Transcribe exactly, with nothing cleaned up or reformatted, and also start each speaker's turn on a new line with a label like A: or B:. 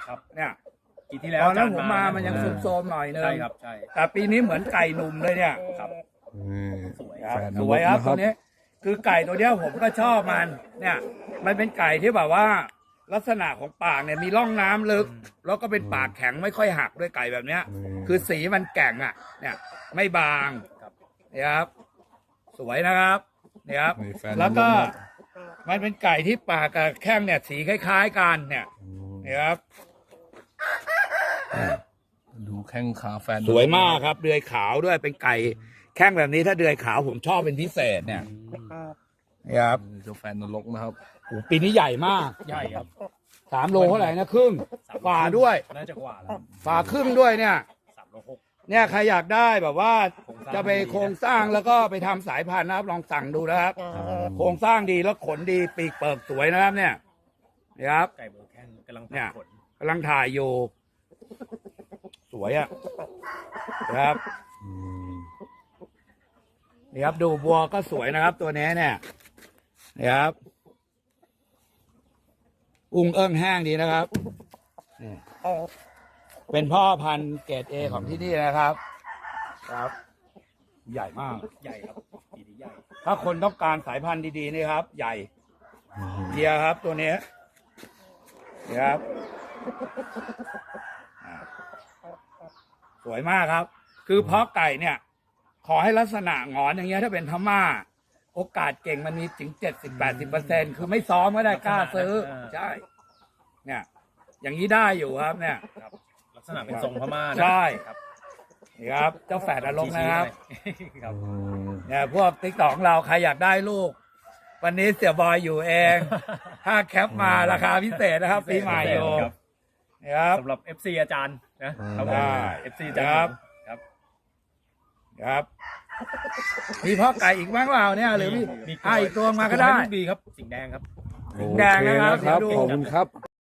A: ครับ
B: เนี่ย
A: ปีที่แล้ว
B: ตอนนั้น
A: จ
B: ผมมามันยังซุบโซมหน่อยนึง
A: ใช่ครับใช่
B: แต่ปีนี้เหมือนไก่หนุ่มเลยเนี่ย
A: ครับ
C: นี่
A: สวย
B: ครับ
C: แฝดน
B: ส
C: ร
B: วย
C: ก
B: ครับ
C: นะค
B: ตั
C: รั
B: ว
C: บ
B: นี้คือไก่ตัวเนี้ยผมก็ชอบมันเนี่ยมันเป็นไก่ที่แบบว่าลักษณะของปากเนี่ยมีร่องน้ำลึก แล้วก็เป็นปากแข็งไม่ค่อยหักด้วยไก่แบบเนี้ย
C: อืม
B: คือสีมันแก่งอ่ะ เนี่ยไม่บาง
A: ครับ
B: เนี่ยครับ สวยนะครับเนี่ยครับ
C: นี่แฟน
B: แล้วก็
C: นรกนะครับ
B: มันเป็นไก่ที่ปากกับแข้งเนี่ยสีคล้ายๆกันเนี่ย
C: อืม
B: เนี่ยครับ
C: ดูแข้งขาแฟน
B: สวยมากครับเดือยขาวด้วยเป็นไก่แข้งแบบนี้ถ้าเดือยขาวผมชอบเป็นพิเศษเนี่ยเนี่ยครับ
C: เจ้าแฟนนรกนะครับ
B: โอ้โหปีนี้ใหญ่มาก
A: ใหญ่ครับ
B: สามโลเท่าไหร่นะครึ่งฝ่าด้วย
A: น่าจะกว่าแล้ว
B: ฝ่าครึ่งด้วยเนี่ย
A: สามโลหก
B: เนี่ยใครอยากได้แบบว่า
A: โครงสร้าง
B: จะไปโครงสร้างแล้วก็ไปทำสายพันธุ์นะครับลองสั่งดูนะครับ โครงสร้างดีแล้วขนดีปีกเปิกสวยนะครับเนี่ยนี่ครับ
A: ไก่เบอร์แข้งกำลัง
B: เนี่ย
A: ผล
B: กำลังถ่ายอยู่ สวยอ่ะนะครับ
C: อืม
B: นี่ครับดูบัวก็สวยนะครับ ตัวนี้เนี่ยนี่ครับ อุ้งเอิ้งแห้งดีนะครับนี่เป็นพ่อพันธุ์เกรดเอของที่นี่นะครับ ครับ ใหญ่มาก
A: ใหญ่ครับปีนี้ใหญ่
B: ถ้าคนต้องการสายพันธุ์ดีๆนี่ครับ ใหญ่
C: อืม
B: เดียครับ ตัวนี้นี่ครับอ่าสวยมากครับ คือเพาะไก่เนี่ย ขอให้ลักษณะหงอนอย่างเงี้ยถ้าเป็นพม่า โอกาสเก่งมันมีถึงเจ็ดสิบแปดสิบเปอร์เซ็นคือไม่ซ้อมก็ได้กล้าซื้อ ใช่ เนี่ย อย่างนี้ได้อยู่ครับ เนี่ย
A: ครับลักษณะเป็นทรงพม่านะ
B: ใช่
A: ครับ
B: นี่ครับ เจ้าแฝดอารมณ์นะครับ
A: ชี้ๆหน่อยครับ
C: อืม
B: เนี่ยพวกติ๊กตอกของเราใครอยากได้ลูก วันนี้เสี่ยบอยอยู่เอง ถ้าแคปมาราคาพิเศษนะครับปีใหม่อยู่
A: ครับ
B: นี่ครับ
A: สำหรับ เอฟ ซี อาจารย์นะครับผม
B: ได้
A: เอฟ ซี อาจารย์
B: ครับ
A: ครับ
B: ครับ มีพ่อไก่อีกบ้างเปล่าเนี่ยหรือมี
A: มี
B: อ่ะอีกตัวมาก็ได้
A: บีครับ สิงห์แดงครับ
C: โอ
B: แดง
C: เค
B: นะครับ
C: นะครับ
B: เดี๋ยวดู
C: ขอบคุณครับ